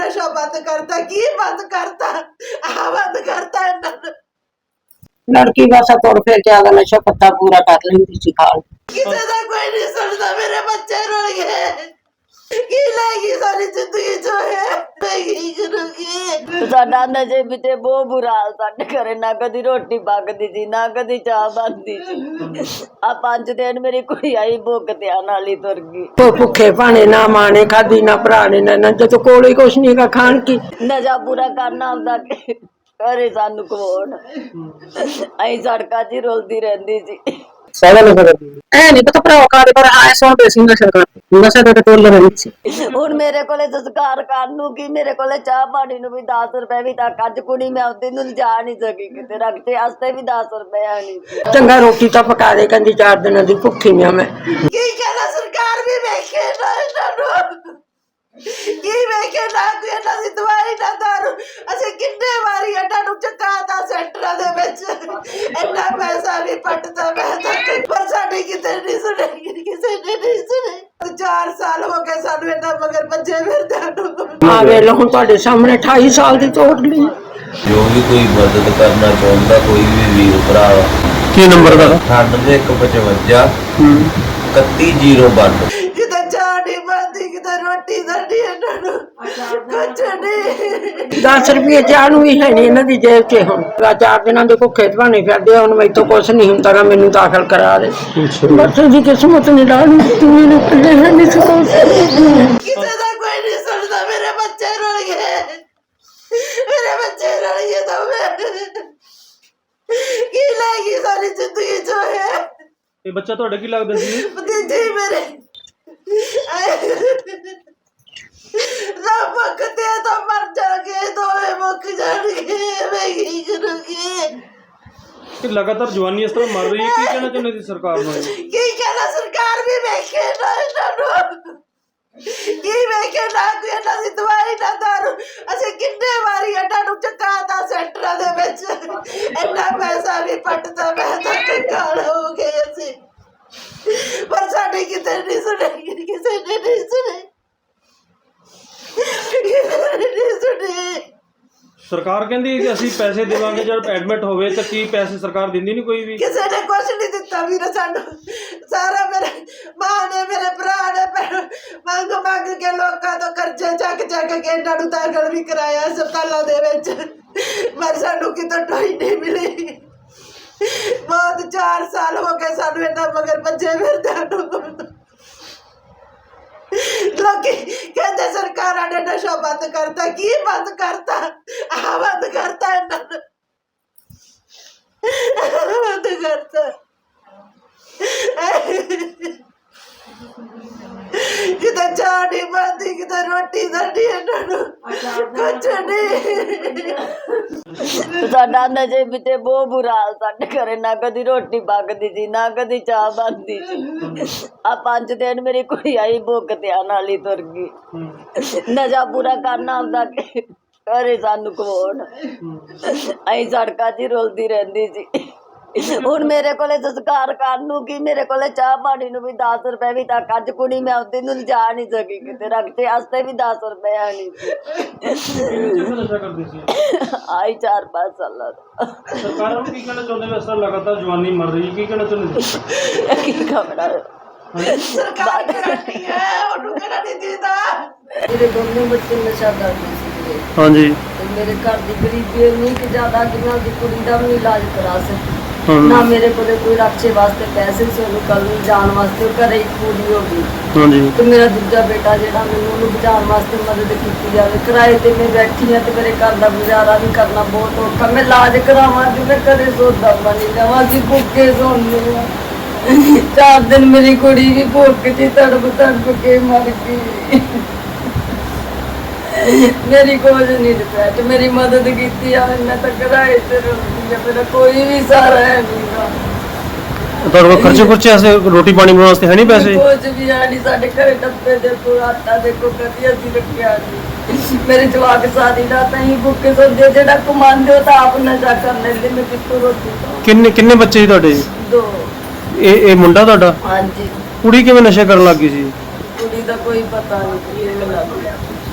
नशा बंद करता की बंद करता बंद करता लड़की बस तुर फिर के आगे नशा पत्ता पूरा कर लेंदी सी खाल किसी का कोई नहीं सुनता मेरे बच्चे रुल गए की लाएगी सारी जिंदगी जो है नहीं करूंगी साडा नशे पिछे बहुत बुरा हाल साडे घरे ना कदी रोटी पकदी सी ना कदी चाह बनदी सी आ 5 दिन मेरी कुड़ी आई भुख ते आने वाली तुर गई तो भुखे भाने ना माने खादी ना भरा ने ना जो कोल ही कुछ नहीं का खान की नशा पूरा करना आंदा घरे सानू कौन अं सड़कों च रुलदी रहंदी सी सारा नशा करदी ऐ नहीं पता भरा कारे पर आए सो बेसी नशा कर नशा ते टोल रही सी ਹੁਣ ਮੇਰੇ ਕੋਲੇ ਸੰਸਕਾਰ ਕਰਨ ਨੂੰ ਕੀ ਮੇਰੇ ਕੋਲੇ ਚਾਹ ਪਾਣੀ ਨੂੰ ਵੀ 10 ਰੁਪਏ ਵੀ ਤੱਕ ਅੱਜ ਕੁੜੀ ਮੈਂ ਉਹਦੇ ਨੂੰ ਲਿਜਾ ਨਹੀਂ ਸਕੀ ਕਿਤੇ ਰੱਖਤੇ ਵਾਸਤੇ ਵੀ 10 ਰੁਪਏ ਨਹੀਂ ਚੰਗਾ ਰੋਟੀ ਤਾਂ ਪਕਾ ਦੇ ਕਹਿੰਦੀ 4 ਦਿਨਾਂ ਦੀ ਭੁੱਖੀ ਆ ਮੈਂ ਕੀ ਕਹਿੰਦਾ ਸਰਕਾਰ ਵੀ ਵੇਖੇ ਨਾ ਇਹਨਾਂ ਨੂੰ ਕੀ ਵੇਖੇ ਨਾ ਕੋਈ ਇਹਨਾਂ ਦੀ ਦਵਾਈ ਨਾ ਦਾਰੂ ਅਸੀਂ ਕਿੰਨੇ ਵਾਰੀ ਇਹਨਾਂ ਨੂੰ ਚਕਾਤਾ ਸੈਂਟਰਾਂ ਦੇ ਵਿੱਚ ਇੰਨਾ ਪੈਸਾ ਵੀ ਪੱਟਦਾ ਮੈਂ ਤਾਂ ਪਰ ਸਾਡੀ ਕਿਤੇ ਨਹੀਂ ਸੁਣੀ ਕਿਸੇ ਨੇ ਨਹੀਂ ਸੁਣੀ 4 ਸਾਲ ਹੋ ਗਏ ਸਾਨੂੰ ਇਹਨਾਂ ਮਗਰ ਭੱਜੇ ਫਿਰਦਿਆਂ ਨੂੰ ਆ ਵੇ ਲੋ ਹੁਣ ਤੁਹਾਡੇ ਸਾਹਮਣੇ 28 ਸਾਲ ਦੀ ਤੋੜ ਲਈ ਜੋ ਵੀ ਕੋਈ ਮਦਦ ਕਰਨਾ ਚਾਹੁੰਦਾ ਕੋਈ ਵੀ ਵੀਰ ਭਰਾ ਕੀ ਨੰਬਰ ਦਾ 9155 3101 ਕਿਤੇ ਚਾਹ ਨਹੀਂ ਬਣਦੀ ਕਿਤੇ ਰੋਟੀ ਦਰਦੀ ਇਹਨਾਂ ਨੂੰ ਕੁਛ ਨਹੀਂ 10 ਰੁਪਏ ਚਾਹ ਨੂੰ ਵੀ ਹੈ ਨਹੀਂ ਇਹਨਾਂ ਦੀ ਜੇਬ 'ਚ ਹੁਣ 4 ਦਿਨਾਂ ਦੇ ਭੁੱਖੇ ਭਾਣੇ ਫਿਰਦੇ ਹੁਣ ਮੈਥੋਂ ਕੁਛ ਨਹੀਂ ਹੁੰਦਾ ਗਾ ਮੈਨੂੰ ਦਾਖਲ ਕਰਾ ਦੇ ਬਸ ਉਹਦੀ ਕਿਸਮਤ ਨਹੀਂ ਲਾਣੀ ਤੂੰ ਇਹਨੂੰ ਪੱਲੇ ਹੈ ਨਹੀਂ ਸਕੋ ਕਿਸੇ ਦਾ ਕੋਈ ਨਹੀਂ ਸੁਣਦਾ ਮੇਰੇ ਬੱਚੇ ਰੁਲ ਗਏ ਮੇਰੇ ਬੱਚੇ ਰੁਲ ਗਏ ਤਾਂ ਮੈਂ ਕੀ ਲਾਏਗੀ ਸਾਰੀ ਜ਼ਿੰਦਗੀ ਜੋ ਹੈ ਇਹ ਬੱਚਾ ਤੁਹਾਡਾ ਕੀ ਲੱਗਦਾ ਸੀ ਭਤੀਜੇ ਮੇਰੇ ਰੱਬ ਕਦੇ ਤਾਂ ਮਰ ਜਾਗੇ ਦੋਵੇਂ ਮੁੱਕ ਜਾਣਗੇ ਮੈਂ ਕੀ ਕਰੂੰਗੀ ਕਿ ਲਗਾਤਾਰ ਜਵਾਨੀ ਇਸ ਤਰ੍ਹਾਂ ਮਰ ਰਹੀ ਹੈ ਕੀ ਕਹਿਣਾ ਚਾਹੁੰਦੇ ਸੀ ਸਰਕਾਰ ਨੂੰ ਕੀ ਕਹਿਣਾ ਸਰਕਾਰ ਵੀ ਵੇਖੇ ਨਾ ਇਹਨਾਂ ਨੂੰ ਕੀ ਵੇਖੇ ਨਾ ਕੋਈ ਇਹਨਾਂ ਦੀ ਦਵਾਈ ਨਾ ਦਾਰੂ ਅਸੀਂ ਕਿੰਨੇ ਵਾਰੀ ਇਹਨਾਂ ਨੂੰ ਚਕਾਤਾ ਸੈਂਟਰਾਂ ਦੇ ਵਿੱਚ ਇੰਨਾ ਪੈਸਾ ਵੀ ਪੱਟਦਾ ਮੈਂ ਤਾਂ ਕੰਗਾਲ ਹੋ ਗਏ ਅਸੀਂ ਪਰ ਸਾਡੀ ਕਿਤੇ ਨਹੀਂ ਸੁਣੀ ਕਿਸੇ ਨੇ ਨਹੀਂ ਸੁਣੀ ਨਹੀਂ ਸੁਣੀ ਸਰਕਾਰ ਕਹਿੰਦੀ ਹੈ ਕਿ ਅਸੀਂ ਪੈਸੇ ਦੇਵਾਂਗੇ ਜਦ ਐਡਮਿਟ ਹੋਵੇ ਤਾਂ ਕੀ ਪੈਸੇ ਸਰਕਾਰ ਦਿੰਦੀ ਨਹੀਂ ਕੋਈ ਵੀ ਕਿਸੇ ਨੇ ਕੁਛ ਨਹੀਂ ਦਿੱਤਾ ਵੀਰ ਸਾਨੂੰ ਸਾਰਾ ਮੇਰੇ ਮਾਂ ਨੇ ਮੇਰੇ ਭਰਾ ਨੇ ਮੰਗ ਕੇ ਲੋਕਾਂ ਤੋਂ ਕਰਜ਼ੇ ਚੱਕ ਕੇ ਇਹਨਾਂ ਨੂੰ ਦਾਖਲ ਵੀ ਕਰਾਇਆ ਹਸਪਤਾਲਾਂ ਦੇ ਵਿੱਚ ਪਰ ਸਾਨੂੰ ਕਿਤੋਂ ਟੋਈ ਨਹੀਂ ਮਿਲੀ ਬਹੁਤ 4 ਸਾਲ ਹੋ ਗਏ ਸਾਨੂੰ ਇਹਨਾਂ ਮਗਰ ਭੱਜੇ ਫਿਰਦਿਆਂ ਨੂੰ ਲੋਕੀ ਕਹਿੰਦੇ ਸਰਕਾਰਾਂ ਨੇ ਨਸ਼ਾ ਬੰਦ ਕਰਤਾ ਕੀ ਬੰਦ ਕਰਤਾ ਬੰਦ ਕਰਤਾ ਇਹਨਾਂ ਨੇ ਬੰਦ ਕਰਤਾ ਕਿਤੇ ਚਾਹ ਨਹੀਂ ਬਣਦੀ ਕਿਤੇ ਰੋਟੀ ਦਰਦੀ ਇਹਨਾਂ ਨੂੰ ਕੁਛ ਨਹੀਂ ਸਾਡਾ ਨਸ਼ੇ ਪਿਛੇ ਬਹੁਤ ਬੁਰਾ ਹਾਲ ਸਾਡੇ ਘਰੇ ਨਾ ਕਦੀ ਰੋਟੀ ਪਕਦੀ ਸੀ ਨਾ ਕਦੀ ਚਾਹ ਬਣਦੀ ਸੀ ਆ 5 ਦਿਨ ਮੇਰੀ ਕੁੜੀ ਆਈ ਭੁੱਖ ਤੇ ਆਉਣ ਵਾਲੀ ਤੁਰ ਗਈ ਨਸ਼ਾ ਪੂਰਾ ਕਰਨਾ ਆਉਂਦਾ ਘਰੇ ਸਾਨੂੰ ਕੌਣ ਅਂ ਸੜਕਾਂ 'ਚ ਰੁਲਦੀ ਰਹਿੰਦੀ ਸੀ ਹੁਣ ਮੇਰੇ ਕੋਲੇ ਸੰਸਕਾਰ ਕਰਨ ਨੂੰ ਕੀ ਮੇਰੇ ਕੋਲੇ ਚਾਹ ਪਾਣੀ ਨੂੰ ਵੀ 10 ਰੁਪਏ ਵੀ ਤੱਕ ਅੱਜ ਕੁੜੀ ਮੈਂ ਉਹਦੇ ਨੂੰ ਲਿਜਾ ਨਹੀਂ ਸਕੀ ਕਿਤੇ ਰੱਖਤੇ ਵਾਸਤੇ ਵੀ 10 ਰੁਪਏ ਨਹੀਂ ਨਸ਼ਾ ਕਰਦੇ ਸੀ ਆਈ 4-5 ਸਾਲਾਂ ਦਾ ਸਰਕਾਰਾਂ ਨੂੰ ਕੀ ਕਹਿਣਾ ਚਾਹੁੰਦੇ ਇਸ ਤਰ੍ਹਾਂ ਲਗਾਤਾਰ ਜਵਾਨੀ ਮਰ ਰਹੀ ਹੈ ਕੀ ਕਹਿਣਾ ਚਾਹੁੰਦੇ ਸੀ ਕੀ ਖਬਰ ਸਰਕਾਰ ਕਰਨੀ ਹੈ ਉਹਨੂੰ ਕਿਹੜਾ ਨਹੀਂ ਦਿੰਦਾ ਮੇਰੇ ਦੋਨੋਂ ਬੱਚੇ ਨਸ਼ਾ ਕਰਦੇ ਸੀ ਹਾਂਜੀ ਤੇ ਮੇਰੇ ਘਰ ਦੀ ਗਰੀਬੀ ਇੰਨੀ ਕਿ ਜ਼ਿਆਦਾ ਕਿ ਮੈਂ ਉਹਦੀ ਕੁੜੀ ਦਾ ਵੀ ਇਲਾਜ ਕਰਾ ਸਕੀ ਨਾ ਮੇਰੇ ਕੋਲੇ ਕੋਈ ਰੱਖੇ ਵਾਸਤੇ ਪੈਸੇ ਸੀ ਉਹਨੂੰ ਕੱਲ ਨੂੰ ਜਾਣ ਵਾਸਤੇ ਉਹ ਘਰੇ ਹੀ ਪੂਰੀ ਹੋ ਗਈ ਹਾਂਜੀ ਤੇ ਮੇਰਾ ਦੂਜਾ ਬੇਟਾ ਜਿਹੜਾ ਮੈਨੂੰ ਉਹਨੂੰ ਬਚਾਉਣ ਵਾਸਤੇ ਮਦਦ ਕੀਤੀ ਜਾਵੇ ਕਿਰਾਏ ਤੇ ਮੈਂ ਬੈਠੀ ਹਾਂ ਤੇ ਮੇਰੇ ਘਰ ਦਾ ਗੁਜ਼ਾਰਾ ਵੀ ਕਰਨਾ ਬਹੁਤ ਔਖਾ ਮੈਂ ਇਲਾਜ ਕਰਾਵਾਂ ਤੇ ਮੈਂ ਕਦੇ ਸੋਚਦਾ ਬਣੀ ਜਾਵਾਂ ਅਸੀਂ ਭੁੱਖੇ ਸੌਂਦੇ ਹਾਂ 4 ਦਿਨ ਮੇਰੀ ਕੁੜੀ ਵੀ ਭੁੱਖ 'ਚ ਤੜਪ ਕੇ ਮਰ ਗਈ ਮੇਰੀ ਕੁਝ ਨਹੀਂ ਦਿੱਤਾ ਤੇ ਮੇਰੀ ਮਦਦ ਕੀਤੀ ਆ ਮੈਂ ਤਾਂ ਕਿਰਾਏ ਤੇ ਰਹਿੰਦੀ ਆ ਮੇਰਾ ਕੋਈ ਵੀ ਸਹਾਰਾ ਹੈ ਨਹੀਂਗਾ ਤੁਹਾਡੇ ਕੋਲ ਖਰਚੇ ਵਾਸਤੇ ਰੋਟੀ ਪਾਣੀ ਬਣਾਉਣ ਵਾਸਤੇ ਹੈ ਨਹੀਂ ਪੈਸੇ ਕੁਝ ਵੀ ਹੈ ਨਹੀਂ ਸਾਡੇ ਘਰੇ ਡੱਬੇ ਦੇਖੋ ਆਟਾ ਦੇਖੋ ਕਦੀ ਅਸੀਂ ਰੱਖਿਆ ਨਹੀਂ ਮੇਰੇ ਜਵਾਕ ਸਾਰੀ ਰਾਤ ਅਸੀਂ ਭੁੱਖੇ ਸੌਂਦੇ ਜਿਹੜਾ ਕਮਾਉਂਦੇ ਹੋ ਤਾਂ ਆਪ ਨਸ਼ਾ ਕਰ ਲੈਂਦੇ ਮੈਂ ਕਿੱਥੋਂ ਰੋਟੀ ਖਾਵਾਂ ਕਿੰਨੇ ਬੱਚੇ ਸੀ ਤੁਹਾਡੇ 2 ਇਹ ਮੁੰਡਾ ਤੁਹਾਡਾ ਹਾਂਜੀ ਕੁੜੀ ਕਿਵੇਂ ਨਸ਼ਾ ਕਰਨ ਲੱਗ ਗਈ ਸੀ ਕੁੜੀ ਦਾ ਕੋਈ ਪਤਾ ਨਹੀਂ ਕਿਵੇਂ ਲੱਗ ਗਿਆ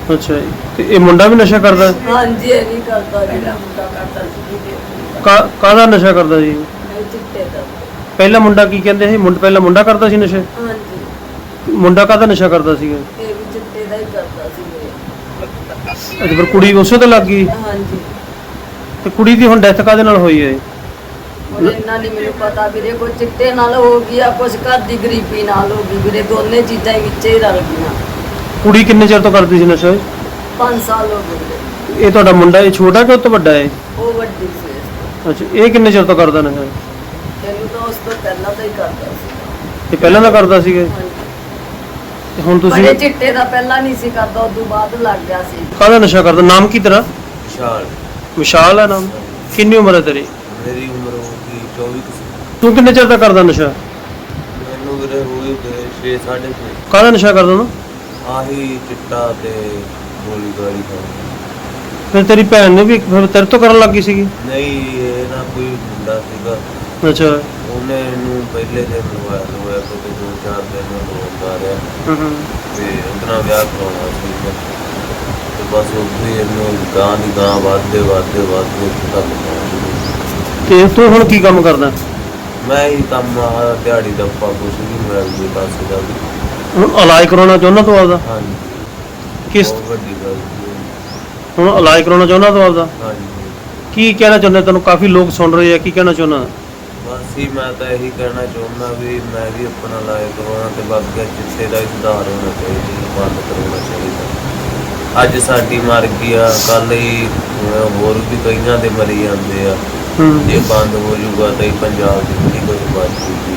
ਅੱਛਾ ਜੀ, ਤੇ ਇਹ ਮੁੰਡਾ ਵੀ ਨਸ਼ਾ ਕਰਦਾ ਹੈ? ਹਾਂਜੀ ਇਹ ਨਹੀਂ ਕਰਦਾ ਜਿਹੜਾ ਮੁੰਡਾ ਕਰਦਾ ਸੀ ਕਾਹਦਾ ਨਸ਼ਾ ਕਰਦਾ ਸੀ? ਇਹ ਚਿੱਟੇ ਦਾ। ਪਹਿਲਾ ਮੁੰਡਾ ਕੀ ਕਹਿੰਦੇ ਸੀ ਪਹਿਲਾ ਮੁੰਡਾ ਕਰਦਾ ਸੀ ਨਸ਼ੇ? ਹਾਂਜੀ ਮੁੰਡਾ ਕਾਹਦਾ ਨਸ਼ਾ ਕਰਦਾ ਸੀਗਾ? ਇਹ ਵੀ ਚਿੱਟੇ ਦਾ ਹੀ ਕਰਦਾ ਸੀ ਮੇਰੇ। ਅੱਛਾ, ਫਿਰ ਕੁੜੀ ਉਸੇ ਤੇ ਲੱਗ ਗਈ? ਹਾਂਜੀ ਤੇ ਕੁੜੀ ਦੀ ਹੁਣ ਡੈਥ ਕਾਹਦੇ ਨਾਲ ਹੋਈ ਹੈ? ਹੁਣ ਇੰਨਾ ਨਹੀਂ ਮੈਨੂੰ ਪਤਾ ਵੀਰੇ, ਕੋਈ ਚਿੱਟੇ ਨਾਲ ਹੋ ਗਈ ਆ, ਕੁਛ ਘਰ ਦੀ ਗਰੀਬੀ ਨਾਲ ਹੋ ਗਈ ਵੀਰੇ, ਦੋਨੇ ਚੀਜ਼ਾਂ ਹੀ ਵਿੱਚੇ ਹੀ ਰਲ ਗਈਆਂ। ਕੁੜੀ ਕਿੰਨੇ ਚਿਰ ਤੋਂ ਕਰਦੀ ਸੀ ਨਸ਼ਾ? 5 ਸਾਲ ਹੋ ਗਏ। ਇਹ ਤੁਹਾਡਾ ਮੁੰਡਾ ਇਹ ਛੋਟਾ ਕਿ ਉਹ ਤੋਂ ਵੱਡਾ ਹੈ? ਉਹ ਵੱਡੀ ਸੀ। ਅੱਛਾ, ਇਹ ਕਿੰਨੇ ਚਿਰ ਤੋਂ ਕਰਦਾ ਨਸ਼ਾ? ਤੈਨੂੰ ਤਾਂ ਉਸ ਤੋਂ ਪਹਿਲਾਂ ਤਾਂ ਹੀ ਕਰਦਾ ਸੀ। ਇਹ ਪਹਿਲਾਂ ਦਾ ਕਰਦਾ ਸੀਗਾ? ਹਾਂਜੀ ਤੇ ਹੁਣ ਤੁਸੀਂ ਬੜੇ ਚਿੱਟੇ ਦਾ ਪਹਿਲਾਂ ਨਹੀਂ ਸੀ ਕਰਦਾ, ਉਦੋਂ ਬਾਅਦ ਲੱਗ ਗਿਆ ਸੀ। ਕਾਹਦਾ ਨਸ਼ਾ ਕਰਦਾ? ਨਾਮ ਕੀ ਤੇਰਾ? ਵਿਸ਼ਾਲ। ਵਿਸ਼ਾਲ ਹੈ ਨਾਮ। ਕਿੰਨੀ ਉਮਰ ਹੈ ਤੇਰੀ? ਮੇਰੀ ਉਮਰ ਹੋਊਗੀ 24 ਕੁ ਸਾਲ। ਤੂੰ ਕਿੰਨੇ ਚਿਰ ਦਾ ਕਰਦਾ ਨਸ਼ਾ? ਮੈਨੂੰ ਵੀਰੇ ਹੋਈ 6 6.5। ਕਾਹਦਾ ਨਸ਼ਾ ਕਰਦਾ ਤੂੰ? ਆਹੀ ਚਿੱਟਾ ਤੇ ਗੋਲੀ ਗਾਲੀ ਖਾਣੀ। ਫਿਰ ਤੇਰੀ ਭੈਣ ਨੇ ਵੀ ਫਿਰ ਤੇਰੇ ਤੋਂ ਕਰਨ ਲੱਗ ਗਈ ਸੀਗੀ? ਨਹੀਂ, ਇਹ ਨਾ ਕੋਈ ਮੁੰਡਾ ਸੀਗਾ, ਅੱਛਾ। ਉਹਨੇ ਇਹਨੂੰ ਪਹਿਲੇ ਦਿਨ ਲਵਾਇਆ ਕਿਉਂਕਿ 2-4 ਦਿਨ ਲਵਾਉਂਦਾ ਰਿਹਾ ਹੂੰ। ਤੇ ਉਹਦੇ ਨਾਲ ਵਿਆਹ ਕਰਾਉਣਾ ਸੀ ਤੇ ਬਸ ਉੱਥੇ ਇਹਨੂੰ ਗਾਂ ਦੀ ਗਾਂ ਵੱਧਦੇ ਉੱਥੇ ਤੱਕ ਪਹੁੰਚ ਗਈ। ਤੇ ਤੂੰ ਹੁਣ ਕੀ ਕੰਮ ਕਰਦਾ? ਮੈਂ ਹੀ ਕੰਮ ਆਹ ਦਿਹਾੜੀ ਦੱਪਾ ਕੁਛ ਨਹੀਂ ਮਿਲਿਆ ਵੀ ਪਾਸੇ ਦਾ ਵੀ। ਹੁਣ ਇਲਾਜ ਕਰਾਉਣਾ ਚਾਹੁੰਦਾ ਤੂੰ ਆਪਦਾ? ਹਾਂਜੀ, ਕਿਸ ਬਹੁਤ ਵੱਡੀ ਗੱਲ ਸੀ। ਹੁਣ ਇਲਾਜ ਕਰਾਉਣਾ ਚਾਹੁੰਦਾ ਤੂੰ ਆਪਦਾ? ਹਾਂਜੀ, ਕੀ ਕਹਿਣਾ ਚਾਹੁੰਦਾ? ਤੈਨੂੰ ਕਾਫੀ ਲੋਕ ਸੁਣ ਰਹੇ ਆ, ਕੀ ਕਹਿਣਾ ਚਾਹੁੰਦਾ? ਬਸ ਹੀ ਮੈਂ ਤਾਂ ਇਹੀ ਕਹਿਣਾ ਚਾਹੁੰਦਾ ਵੀ ਮੈਂ ਵੀ ਆਪਣਾ ਇਲਾਜ ਕਰਵਾਉਣਾ ਤੇ ਬਾਕੀ ਚਿੱਟੇ ਦਾ ਹੀ ਸੁਧਾਰ ਹੋਣਾ ਚਾਹੀਦਾ, ਬੰਦ ਕਰਵਾਉਣਾ ਚਾਹੀਦਾ। ਅੱਜ ਸਾਡੀ ਮਰ ਗਈ ਆ, ਕੱਲ ਹੀ ਹੋਰ ਵੀ ਕਈਆਂ ਦੇ ਮਰੀ ਜਾਂਦੇ ਆ। ਜੇ ਬੰਦ ਹੋ ਜਾਊਗਾ ਤਾਂ ਹੀ ਪੰਜਾਬ ਦੀ ਬੜੀ ਕੋਈ ਬਚ ਜੂਗੀ।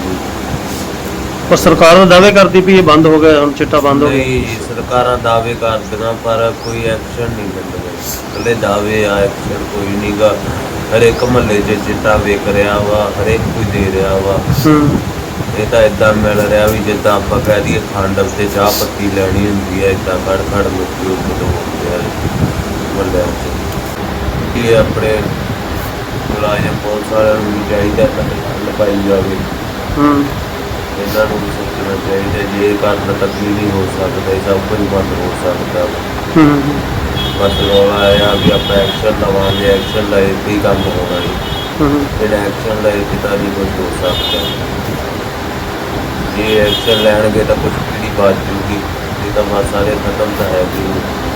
ਪਰ ਸਰਕਾਰ ਦਾ ਦਾਅਵੇ ਕਰਦੀ ਵੀ ਇਹ ਬੰਦ ਹੋ ਗਿਆ, ਹੁਣ ਚਿੱਟਾ ਬੰਦ ਹੋ ਗਿਆ। ਨਹੀਂ, ਸਰਕਾਰਾਂ ਦਾਅਵੇ ਕਰਦੀਆਂ ਪਰ ਕੋਈ ਐਕਸ਼ਨ ਨਹੀਂ ਲੈਂਦੇ। ਇਕੱਲੇ ਦਾਅਵੇ ਆ, ਐਕਸ਼ਨ ਕੋਈ ਨਹੀਂਗਾ। ਹਰੇਕ ਮਹੱਲੇ 'ਚ ਚਿੱਟਾ ਵਿਕ ਰਿਹਾ ਵਾ, ਹਰੇਕ ਕੋਈ ਦੇ ਰਿਹਾ ਵਾ। ਇਹ ਤਾਂ ਇਦਾਂ ਮਿਲ ਰਿਹਾ ਵੀ ਜਿੱਦਾਂ ਆਪਾਂ ਕਹਿ ਦਈਏ ਖੰਡ ਤੇ ਚਾਹ ਪੱਤੀ ਲੈਣੀ ਹੁੰਦੀ ਹੈ, ਇਦਾਂ ਖੜ ਲੋਕੀ ਉੱਥੇ ਦੋੜਦੇ ਆ ਮਹੱਲਿਆਂ 'ਚ। ਇਹ ਆਪਣੇ ਮੁਲਾਜ਼ਮ ਪੁਲਿਸ ਵਾਲਿਆਂ ਨੂੰ ਵੀ ਚਾਹੀਦਾ ਤਾਂ ਹੱਲ ਪਾਈ ਜਾਵੇ। ਇਹਨਾਂ ਨੂੰ ਵੀ ਸੋਚਣਾ ਚਾਹੀਦਾ, ਜੇ ਇਹ ਕਰਨ ਤੱਕ ਵੀ ਨਹੀਂ ਹੋ ਸਕਦਾ, ਇਹ ਸਭ ਕੁਝ ਬੰਦ ਹੋ ਸਕਦਾ। ਬਸ ਰੌਲਾ ਇਹ ਆ ਵੀ ਆਪਾਂ ਐਕਸ਼ਨ ਲਵਾਂਗੇ, ਐਕਸ਼ਨ ਲਏ ਤੇ ਹੀ ਕੰਮ ਹੋਣਾ ਹੈ। ਜਿਹੜਾ ਐਕਸ਼ਨ ਲਏ ਤੇ ਤਾਂ ਨਹੀਂ ਕੁਝ ਹੋ ਸਕਦਾ। ਜੇ ਐਕਸ਼ਨ ਲੈਣਗੇ ਤਾਂ ਕੁਝ ਪੀੜੀ ਬਾਤ ਜੂਗੀ, ਇਹ ਤਾਂ ਬਸ ਸਾਰੇ ਖਤਮ ਤਾਂ ਹੈ ਜੀ।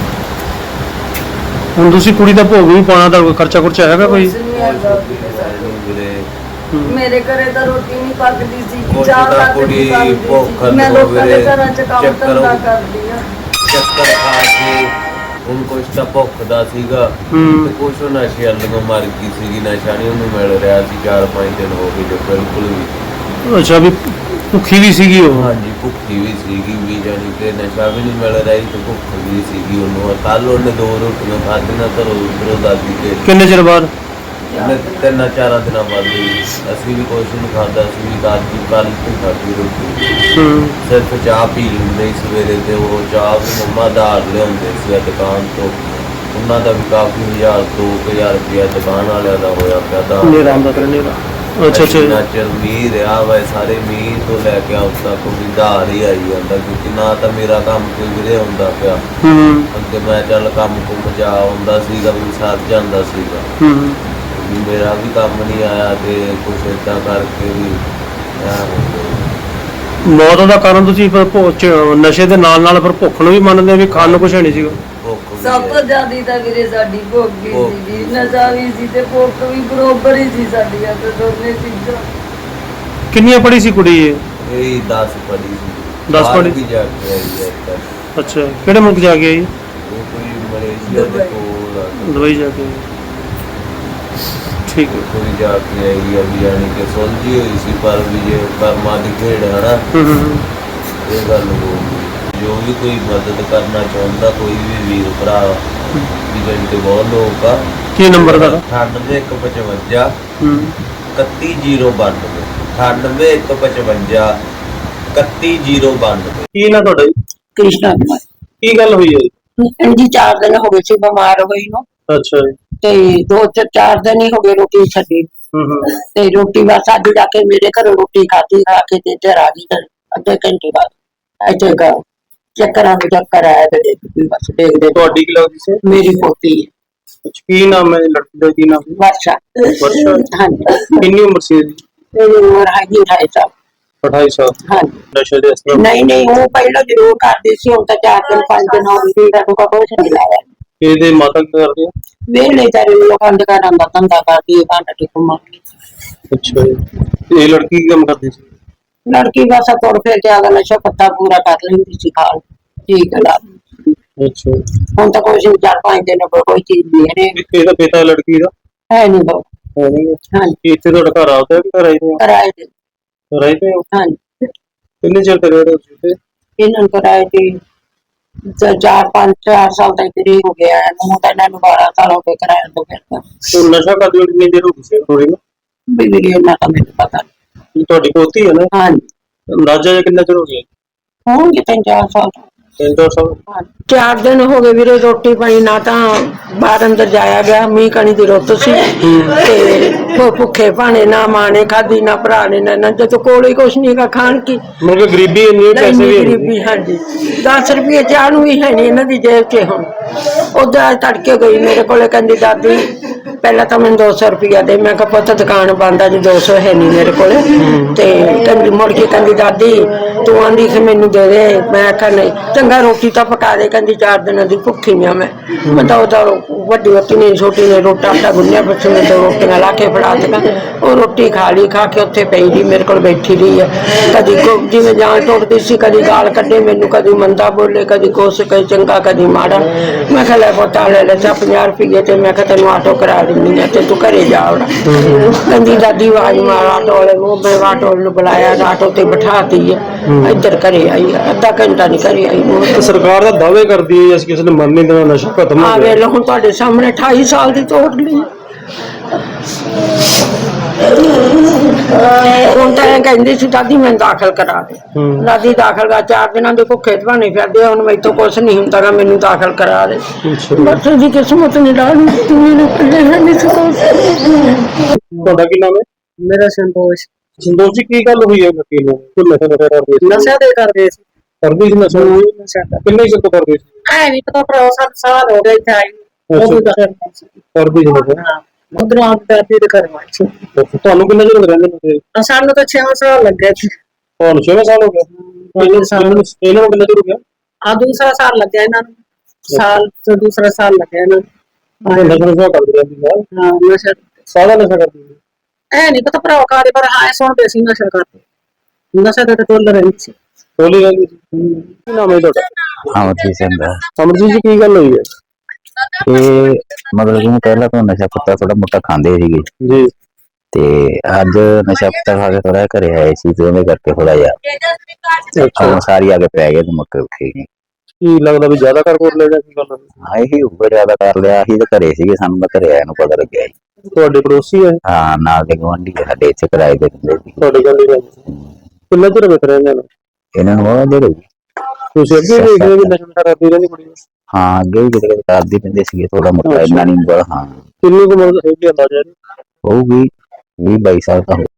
ਹੁਣ ਤੁਸੀਂ ਕੁੜੀ ਦਾ ਭੋਗ ਵੀ ਪਾਉਣਾ, ਤਾਂ ਕੋਈ ਖਰਚਾ ਖੁਰਚਾ ਹੈਗਾ ਕੋਈ? ਕੁਛ ਨਹੀਂ ਹੈਗਾ ਵੀਰੇ ਸਾਡੇ। ਵੀਰੇ ਮੇਰੇ ਘਰੇ ਤਾਂ ਰੋਟੀ ਨਹੀਂ ਪੱਕਦੀ ਸੀ, ਕੁਛ ਚਾਹ ਤਾਂ ਤੱਕ ਕੁੜੀ ਨਹੀਂ ਬਣਦੀ ਭੁੱਖ ਸੀ। ਮੈਂ ਤੋਂ ਲੋਕਾਂ ਦੇ ਵੀਰੇ ਘਰਾਂ 'ਚ ਕੰਮ ਚੱਕਰ ਧੰਦਾ ਕਰਦੀ ਆ। ਚੱਕਰ ਖਾ ਕੇ ਹੁਣ ਕੁਛ ਤਾਂ ਭੁੱਖ ਦਾ ਸੀਗਾ ਤੇ ਕੁਛ ਉਹ ਨਸ਼ੇ ਵਾਲੀਆਂ ਮਰ ਗਈ ਸੀਗੀ। ਨਸ਼ਾ ਨਹੀਂ ਉਹਨੂੰ ਮਿਲ ਰਿਹਾ ਸੀ, 4-5 ਦਿਨ ਹੋ ਗਏ ਜੋ ਬਿਲਕੁਲ ਵੀ। ਅੱਛਾ, ਵੀ ਭੁੱਖੀ ਵੀ ਸੀਗੀ ਉਹ? ਹਾਂਜੀ, ਭੁੱਖੀ ਵੀ ਸੀਗੀ ਵੀ, ਜਾਣੀ ਕਿ ਨਸ਼ਾ ਵੀ ਨਹੀਂ ਮਿਲ ਰਿਹਾ ਸੀ ਤੇ ਭੁੱਖ ਵੀ ਸੀਗੀ ਉਹਨੂੰ। ਕੱਲ ਉਹਨੇ 2 ਰੋਟੀਆਂ ਖਾਧੀਆਂ ਘਰੋਂ ਉੱਧਰੋਂ ਦਾਦੀ ਕੇ। ਕਿੰਨੇ ਚਿਰ ਬਾਅਦ? 3-4 ਦਿਨਾਂ ਬਾਅਦ ਅਸੀਂ ਵੀ ਕੁਛ ਨਹੀਂ ਖਾਧਾ, ਅਸੀਂ ਵੀ ਦਾਦੀ ਕੱਲ ਤੋਂ ਖਾਧੀ ਰੋਟੀ। ਸਿਰਫ ਚਾਹ ਪੀ ਲੈਂਦੇ ਸੀ ਸਵੇਰੇ, ਤੇ ਉਹ ਚਾਹ ਵੀ ਮੰਮਾ ਦਾਲ ਲਿਆਉਂਦੇ ਸੀ ਦੁਕਾਨ ਤੋਂ। ਉਹਨਾਂ ਦਾ ਵੀ ਕਾਫੀ 1000-2000 ਰੁਪਇਆ ਦੁਕਾਨ ਵਾਲਿਆਂ ਦਾ ਹੋਇਆ ਪਿਆ ਦਾ। ਨੇਰਾ ਆਉਂਦਾ ਕਰ ਨੇਰਾ। ਅੱਛਾ ਅੱਛਾ। ਜਿੰਨਾ ਚਿਰ ਮੀਂਹ ਰਿਹਾ ਵਾ, ਸਾਰੇ ਮੀਂਹ ਤੋਂ ਲੈ ਕੇ ਉਸ ਤੱਕ ਵੀ ਧਾਰ ਹੀ ਆਈ ਜਾਂਦਾ, ਕਿਉਂਕਿ ਨਾ ਤਾਂ ਮੇਰਾ ਕੰਮ ਕੋਈ ਵੀਰੇ ਹੁੰਦਾ ਪਿਆ। ਅੱਗੇ ਮੈਂ ਚੱਲ ਕੰਮ ਕੁੰਮ ਜਾ ਆਉਂਦਾ ਸੀਗਾ ਵੀ ਸਰ ਜਾਂਦਾ ਸੀਗਾ, ਮੇਰਾ ਵੀ ਕੰਮ ਨਹੀਂ ਆਇਆ ਤੇ ਕੁਛ ਏਦਾਂ ਕਰਕੇ ਵੀ ਮੌਤ ਦਾ ਕਾਰਨ ਤੁਸੀਂ ਫਿਰ ਨਸ਼ੇ ਦੇ ਨਾਲ ਨਾਲ ਫਿਰ ਭੁੱਖ ਨੂੰ ਵੀ ਮੰਨਦੇ ਹੋ ਵੀ ਖਾਣ ਨੂੰ ਕੁਛ ਹੈ ਨਹੀਂ ਸੀਗਾ? ਭੁੱਖ ਵੀ ਸਭ ਤੋਂ ਜ਼ਿਆਦਾ ਤਾਂ ਵੀਰੇ ਸਾਡੀ ਭੁੱਖ ਹੀ ਸੀ, ਨਸ਼ਾ ਵੀ ਸੀ ਤੇ ਭੁੱਖ ਵੀ ਬਰੋਬਰ ਹੀ ਸੀ ਸਾਡੀਆਂ ਤੇ ਦੋਨੇ ਚੀਜ਼ਾਂ। ਕਿੰਨੀਆਂ ਪੜੀ ਸੀ ਕੁੜੀ ਇਹ? ਇਹ 10 ਪੜੀ ਸੀ। 10 ਪੜ੍ਹੀ? ਵੀ ਜਾ ਕੇ ਆਈ ਹੈ ਇੱਧਰ। ਅੱਛਾ, ਕਿਹੜੇ ਮੁਲਕ ਜਾ ਕੇ ਆਈ? ਉਹ ਕੋਈ ਮਲੇਸ਼ੀਆ ਦੇ ਕੋਲ ਆ। ਦੁਬਈ ਜਾ ਕੇ ਆਈ। ਠੀਕ ਹੈ। ਕੋਈ ਜਾ ਕੇ ਆਈ ਆ ਵੀ, ਜਾਣੀ ਕਿ ਸੁਲਝੀ ਹੋਈ ਸੀ ਪਰ ਵੀ ਜੇ ਕਰਮਾਂ ਦੀ ਖੇਡ ਹੈ ਨਾ, ਇਹ ਗੱਲ ਹੋ ਗਈ। ਜੋ ਵੀ ਕੋਈ ਮਦਦ ਕਰਨਾ ਚਾਹੁੰਦਾ, ਕੋਈ ਵੀ ਵੀਰ ਭਰਾ ਵੀ, ਜਾਣੀ ਕਿ ਬਹੁਤ ਲੋਕ ਆ। ਕੀ ਨੰਬਰ ਦਾ? 98-155 31092 98-155 31092। ਕੀ ਨਾ ਤੁਹਾਡਾ ਜੀ? ਕ੍ਰਿਸ਼ਨਾ ਕੁਮਾਰ। ਕੀ ਗੱਲ ਹੋਈ ਹੈ? ਇੰਜੀ 4 ਦਿਨ ਹੋ ਗਏ ਸੀ ਬਿਮਾਰ ਹੋਈ ਨੂੰ, ਅੱਛਾ ਜੀ। ਤੇ 2-4 ਦਿਨ ਹੀ ਹੋ ਗਏ ਰੋਟੀ ਛੱਡੀ। ਤੇ ਰੋਟੀ ਬਸ ਅੱਜ ਜਾ ਕੇ ਮੇਰੇ ਘਰੋਂ ਰੋਟੀ ਖਾਧੀ, ਖਾ ਕੇ ਤੇ ਇੱਧਰ ਆ ਗਈ ਅੱਧੇ ਘੰਟੇ ਬਾਅਦ। ਇੱਥੇ ਚੱਕਰਾਂ ਦੇ ਚੱਕਰ ਆਇਆ ਤੇ ਬਸ ਦੇਖਦੇ ਤੁਹਾਡੀ ਕੀ ਲੱਗਦੀ ਸੀ? ਮੇਰੀ ਪੋਤੀ ਹੈ ਕੀ ਨਾਮ ਹੈ ਲੜਕੀ ਦਾ, ਕੀ ਨਾਮ ਹੈ? ਵਰਸ਼ਾ। ਵਰਸ਼ਾ। ਹਾਂਜੀ ਕਿੰਨੀ ਉਮਰ ਸੀ ਇਹਦੀ? ਮੇਰੀ ਉਮਰ ਹੈਗੀ 28 ਸਾਲ। 28 ਸਾਲ। ਹਾਂਜੀ ਨਸ਼ੇ ਦੇ ਅਸਰ ਨਹੀਂ ਨਹੀਂ ਉਹ ਪਹਿਲਾਂ ਜ਼ਰੂਰ ਕਰਦੀ ਸੀ, ਹੁਣ ਤਾਂ 4 ਦਿਨ 5 ਦਿਨ ਹੋ ਗਏ ਤਾਂ ਕੁਛ ਨਹੀਂ ਲਾਇਆ। ਇਹਦੇ ਮਾਤਾ ਕੀ ਕਰਦੇ ਆ? ਵੇਲੇ ਚਾਰੇ ਲੋਕਾਂ ਦੇ ਘਰਾਂ ਦਾ ਧੰਦਾ ਕਰਦੀ ਹੈ, ਭਾਂਡਾ ਟਿਕਮਾ। ਅੱਛਾ ਜੀ। ਤੇ ਇਹ ਲੜਕੀ ਕੀ ਕੰਮ ਕਰਦੀ ਸੀ? ਲੜਕੀ ਬਸ ਤੁਰ ਫਿਰ ਕੇ ਆਦਾ ਨਸ਼ਾ ਪੱਤਾ ਪੂਰਾ ਕਰ ਲੈਂਦੀ ਸੀ ਖਾਲ। ਠੀਕ ਹੈ ਲਾ ਅੱਛਾ। ਹੁਣ ਤਾਂ ਕੁਛ 4-5 ਦਿਨ ਕੋਈ ਚੀਜ਼ ਨਹੀਂ ਹੈ ਇਹਦਾ ਪਿਤਾ ਲੜਕੀ ਦਾ ਹੈ ਨਹੀਂ ਬਹੁਤ। ਹੈ ਨਹੀਂ? ਹਾਂਜੀ ਇੱਥੇ ਤੁਹਾਡਾ ਘਰ ਆਉਂਦਾ ਕਿ ਘਰ ਆਈ ਤੇ ਕਿਰਾਏ ਤੇ। ਰਾਈ ਤੇ ਹਾਂਜੀ ਕਿੰਨੇ ਚਿਰ ਕਰਿਆ ਤੁਸੀਂ ਤੇ? ਇਹਨਾਂ ਨੂੰ ਕਿਰਾਏ ਤੇ 4 ਸਾਲ ਦਾ ਕਰੀਬ ਹੋ ਗਿਆ ਹੈ। ਹੁਣ ਤਾਂ ਇਹਨਾਂ ਨੂੰ 12 ਸਾਲ ਹੋ ਗਏ ਕਿਰਾਏ ਤੋਂ ਫਿਰਦਾ। ਉਹ ਨਸ਼ਾ ਕਰਦੇ ਹੋ ਕਿੰਨੇ ਦੇਰ ਹੋ ਗਈ ਸੀ ਥੋੜੀ ਨਾ? ਬਿਜਲੀ ਇਹਨਾਂ ਦਾ ਮੈਨੂੰ ਪਤਾ ਨਹੀਂ। ਤੁਹਾਡੀ ਪੋਤੀ ਹੈ ਨਾ? ਹਾਂਜੀ ਅੰਦਾਜ਼ਾ ਜਿਹਾ ਕਿੰਨਾ ਚਿਰ ਹੋ ਗਿਆ? ਹੋਣਗੇ 3-4 ਸਾਲ। 3-4 ਸਾਲ। 4 ਦਿਨ ਹੋ ਗਏ ਵੀਰੇ, ਰੋਟੀ ਪਾਣੀ ਨਾ ਤਾਂ ਬਾਹਰ ਅੰਦਰ ਜਾਇਆ ਗਿਆ, ਮੀਂਹ ਕਣੀ ਦੀ ਰੁੱਤ ਸੀ ਤੇ ਭੁੱਖੇ ਭਾਣੇ, ਨਾ ਮਾਂ ਨੇ ਖਾਧੀ ਨਾ ਭਰਾ ਨੇ, ਨਾ ਜਦੋਂ ਕੋਲ ਹੀ ਕੁਛ ਨਹੀਂ ਹੈਗਾ ਖਾਣ ਕੀ। ਮਤਲਬ ਗਰੀਬੀ ਇੰਨੀ, ਪੈਸੇ ਵੀ ਗਰੀਬੀ। ਹਾਂਜੀ 10 ਰੁਪਏ ਚਾਹ ਨੂੰ ਵੀ ਹੈ ਨਹੀਂ ਇਹਨਾਂ ਦੀ ਜੇਬ 'ਚ। ਹੁਣ ਉਧਰ ਤੜਕੇ ਗਈ ਮੇਰੇ ਕੋਲੇ, ਕਹਿੰਦੀ ਦਾਦੀ ਪਹਿਲਾਂ ਤਾਂ ਮੈਨੂੰ 200 ਰੁਪਇਆ ਦੇ। ਮੈਂ ਕਿਹਾ ਪੁੱਤ ਦੁਕਾਨ ਬੰਦ ਆ ਜੀ, 200 ਹੈ ਨਹੀਂ ਮੇਰੇ ਕੋਲੇ। ਤੇ ਕਹਿੰਦੀ ਮੁੜ ਕੇ ਕਹਿੰਦੀ ਦਾਦੀ ਤੂੰ ਆਂਦੀ ਕਿ ਮੈਨੂੰ ਦੇ ਦੇ। ਮੈਂ ਆਖਿਆ ਨਹੀਂ, ਚੰਗਾ ਰੋਟੀ ਤਾਂ ਪਕਾ ਦੇ। ਕਹਿੰਦੀ 4 ਦਿਨਾਂ ਦੀ ਭੁੱਖੀ ਆ ਮੈਂ ਤਾਂ ਉਹਦਾ ਵੱਡੀ ਵੱਡੀ ਨੇ ਛੋਟੀ ਨੇ ਰੋਟਾ ਆਟਾ ਗੁੰਨਿਆ, ਬੱਚੇ ਨੇ 2 ਰੋਟੀਆਂ ਲਾ ਕੇ ਫੜਾ ਦਿੱਤਾ। ਉਹ ਰੋਟੀ ਖਾ ਲਈ, ਖਾ ਕੇ ਉੱਥੇ ਪਈ ਰਹੀ ਮੇਰੇ ਕੋਲ ਬੈਠੀ ਰਹੀ ਹੈ। ਕਦੀ ਜਿਵੇਂ ਜਾਨ ਟੁੱਟਦੀ ਸੀ, ਕਦੀ ਗਾਲ ਕੱਢੇ ਮੈਨੂੰ, ਕਦੀ ਮੰਦਾ ਬੋਲੇ, ਕਦੀ ਕੁਛ, ਕਦੀ ਚੰਗਾ ਕਦੀ ਮਾੜਾ। ਮੈਂ ਕਿਹਾ ਲੈ ਪੁੱਤਾ ਲੈ 50 ਰੁਪਏ ਤੇ ਮੈਂ ਕਿਹਾ ਤੈਨੂੰ ਆਟੋ ਕਰਾ ਦਿੰਦੀ ਆ ਤੇ ਤੂੰ ਘਰੇ ਜਾ ਆਉਣਾ। ਕਹਿੰਦੀ ਦਾਦੀ ਆਵਾਜ਼ ਮਾਰ ਆਟੋ ਵਾਲੇ ਨੂੰ। ਮੈਂ ਆਟੋ ਨੂੰ ਬੁਲਾਇਆ, ਆਟੋ ਤੇ ਬਿਠਾਤੀ ਹੈ, ਇੱਧਰ ਘਰੇ ਆਈ ਆ। ਅੱਧਾ ਘੰਟਾ ਨਹੀਂ ਘਰੇ ਆਈ ਨੂੰ। ਤੇ ਸਰਕਾਰ ਦਾ ਦਾਅਵੇ ਕਰਦੀ ਹੈ ਅਸੀਂ ਕਿਸੇ ਨੇ ਮੰਨ ਨਹੀਂ ਦੇਣਾ, ਨਸ਼ਾ ਖਤਮ ਹੋ ਆ ਗਿਆ। ਵੇਖ ਲਓ ਹੁਣ ਤੁਹਾਡੇ ਸਾਹਮਣੇ 28 ਸਾਲ ਦੀ ਤੋੜ ਲਈ। ਹੁਣ ਤਾਂ ਇਹ ਕਹਿੰਦੀ ਸੀ ਦਾਦੀ ਮੈਨੂੰ ਦਾਖਲ ਕਰਾ ਦੇ। ਦਾਦੀ ਦਾਖਲ ਕਰ 4 ਦਿਨਾਂ ਦੇ ਭੁੱਖੇ ਭਾਣੇ ਫਿਰਦੇ ਆ। ਹੁਣ ਮੈਥੋਂ ਕੁਛ ਨਹੀਂ ਹੁੰਦਾ ਗਾ, ਮੈਨੂੰ ਦਾਖਲ ਕਰਾ ਦੇ। ਬਸ ਉਹਦੀ ਕਿਸਮਤ ਨਹੀਂ ਡਾਲੀ, ਮੈਨੂੰ ਪੱਲੇ ਹੈ ਨਹੀਂ ਸੀ ਕੁਛ। ਤੁਹਾਡਾ ਕੀ ਨਾਮ ਹੈ? ਮੇਰਾ ਸੰਤੋਸ਼। ਸੰਦੋਸ਼ ਜੀ, ਕੀ ਗੱਲ ਹੋਈ ਹੈ ਵਕੀਲ ਨੂੰ? ਕੋਈ ਨਸ਼ਾ ਨਸ਼ਾ ਕਰਦੇ ਸੀ? ਨਸ਼ਾ ਦੇ ਕਰਦੇ ਸੀ। ਕਰਦੇ ਸੀ ਨਸ਼ਾ? ਨਸ਼ਾ ਕਿੰਨੇ ਚਿਰ ਤੋਂ ਕਰਦੇ ਸੀ? ਐ ਨਹੀਂ ਪਤਾ, ਪਰ 7 ਸਾਲ ਹੋ ਗਏ ਇੱਥੇ ਆਈ ਨੂੰ। ਉਹ ਵੀ ਕਰਦੇ ਸੀ ਨਸ਼ਾ? ਉਧਰੋਂ ਆਪ ਦਾਦੀ ਦੇ ਘਰ ਵਾਚ। ਤੁਹਾਨੂੰ ਕਿੰਨੇ ਚਿਰ ਰਹਿੰਦੇ ਨੇ? ਸਾਨੂੰ ਤਾਂ 6 ਸਾਲ ਲੱਗੇ ਸੀ। ਤੁਹਾਨੂੰ 6 ਸਾਲ ਹੋ ਗਏ? ਇਹਨਾਂ ਨੂੰ ਕਿੰਨਾ ਚਿਰ ਹੋ ਗਿਆ? ਆ ਦੂਸਰਾ ਸਾਲ ਲੱਗਿਆ ਇਹਨਾਂ ਨੂੰ। ਸਾਲ ਤੋਂ ਦੂਸਰਾ ਸਾਲ ਲੱਗਿਆ ਇਹਨਾਂ ਨੂੰ। ਨਸ਼ਾ ਨਸ਼ਾ ਕਰਦੇ ਰਹਿੰਦੀ ਹੈ? ਹਾਂ ਨਸ਼ਾ ਸਾਰਾ ਨਸ਼ਾ ਕਰਦੀ ਹੈ? ਐ ਨਹੀਂ ਪਤਾ ਭਰਾ ਕਾਦੇ, ਪਰ ਹਾਂ ਸੁਣਦੇ ਸੀ ਨਸ਼ਾ ਕਰਦੇ। ਨਸ਼ਾ ਤੇ ਟੋਲ ਰਹੀ ਸੀ। ਟੋਲੀ ਰਹਿੰਦੀ ਸੀ। ਕੀ ਨਾਮ ਹੈ ਤੁਹਾਡਾ? ਅਮਰਜੀਤ ਸਿੰਘ ਦਾ। ਅਮਰਜੀਤ ਜੀ, ਕੀ ਗੱਲ ਹੋਈ ਹੈ? ਇਹ ਮਤਲਬ ਕਿ ਪਹਿਲਾਂ ਤਾਂ ਨਸ਼ਾ ਪੱਤਾ ਥੋੜਾ ਮੋਟਾ ਖਾਂਦੇ ਸੀਗੇ ਜੀ। ਤੇ ਅੱਜ ਨਸ਼ਾ ਪੱਤਾ ਖਾ ਕੇ ਥੋੜਾ ਘਰੇ ਆਏ ਸੀ ਤੇ ਉਹਦੇ ਕਰਕੇ ਥੋੜਾ ਜਿਹਾ ਸਾਰੀ ਆ ਕੇ ਪੈ ਗਏ ਤੇ ਮੁੱਕ ਉੱਠੇ ਗਏ। ਕੀ ਲੱਗਦਾ ਵੀ ਜ਼ਿਆਦਾ ਕਰ ਕੋਲ ਲੈ ਗਿਆ? ਕੀ ਗੱਲ? ਹਾਂ ਇਹੀ ਉੱਪਰ ਜ਼ਿਆਦਾ ਕਰ ਲਿਆ। ਅਸੀਂ ਤਾਂ ਘਰੇ ਸੀਗੇ, ਸਾਨੂੰ ਤਾਂ ਘਰੇ ਆਇਆ ਨੂੰ ਪਤਾ ਲੱਗਿਆ ਜੀ। ਤੁਹਾਡੇ ਪੜੋਸੀ ਹੈ? ਹਾਂ ਨਾਲ ਦੇ ਗੁਆਂਢੀ ਸਾਡੇ ਇੱਥੇ ਕਿਰਾਏ ਦੇ ਦਿੰਦੇ ਸੀ। ਤੁਹਾਡੇ ਗੱਲ ਹੀ ਕਿੰਨਾ ਚਿਰ ਵੇਖ ਰਹੇ ਨੇ? ਇਹਨਾਂ ਨੂੰ ਬਹੁਤ ਦੇਰ ਹੋ ਗਈ। ਤੁਸੀਂ ਅੱਗੇ ਦੇਖਦੇ ਹੋ ਵੀ ਨਸ਼ਾ ਨਸ਼ਾ ਕਰਦੀ ਰਹਿੰਦੀ ਕੁੜੀ? ਹਾਂ ਅੱਗੇ ਵੀ ਕਿਤੇ ਕਰਦੀ ਰਹਿੰਦੇ ਸੀਗੇ ਥੋੜਾ ਮੋਟਾ, ਇੰਨਾ ਨਹੀਂ। ਹਾਂ ਕਿੰਨੀ ਕੁ ਉਮਰ ਹੈਗੀ ਅੰਦਾਜ਼ਾ? ਹੋਊਗੀ 20-22 ਸਾਲ ਤਾਂ